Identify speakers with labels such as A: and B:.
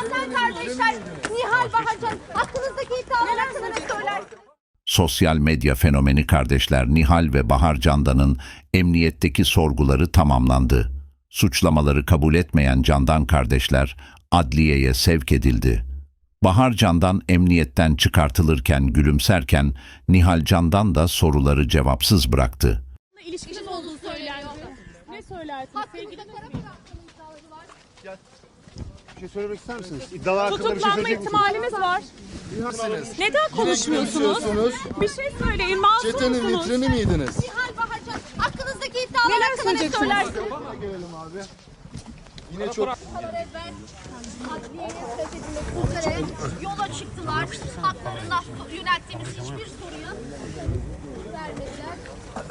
A: Candan kardeşler, Nihal Baharcan, hakkınızdaki iddialar hakkında ne söylersiniz?
B: Sosyal medya fenomeni kardeşler Nihal ve Bahar Candan'ın emniyetteki sorguları tamamlandı. Suçlamaları kabul etmeyen Candan kardeşler adliyeye sevk edildi. Bahar Candan emniyetten çıkartılırken gülümserken Nihal Candan da soruları cevapsız bıraktı.
C: İlişkiniz olduğunu söylendi. Ne söylersiniz?
A: Hakkınızda para bıraktığınız iddiaları var.
D: Bir şey söylemek ister misiniz? İddialar hakkında bir şey
C: Tutuklanma
D: söyleyecek misiniz?
C: ihtimalimiz var. Neden konuşmuyorsunuz? Bir şey söyleyin. Masum
E: Çetenin
C: musunuz?
E: vitrini miydiniz?
A: Nihal Baharcan, hakkınızdaki iddialar
C: Neler
A: hakkında ne
C: söyleyeceksiniz?
A: söylersiniz?
D: Gelelim abi.
E: Yine çok
A: Adliyeye sevk edilmek üzere yola çıktılar. Haklarında yönelttiğimiz hiçbir soruyu vermediler.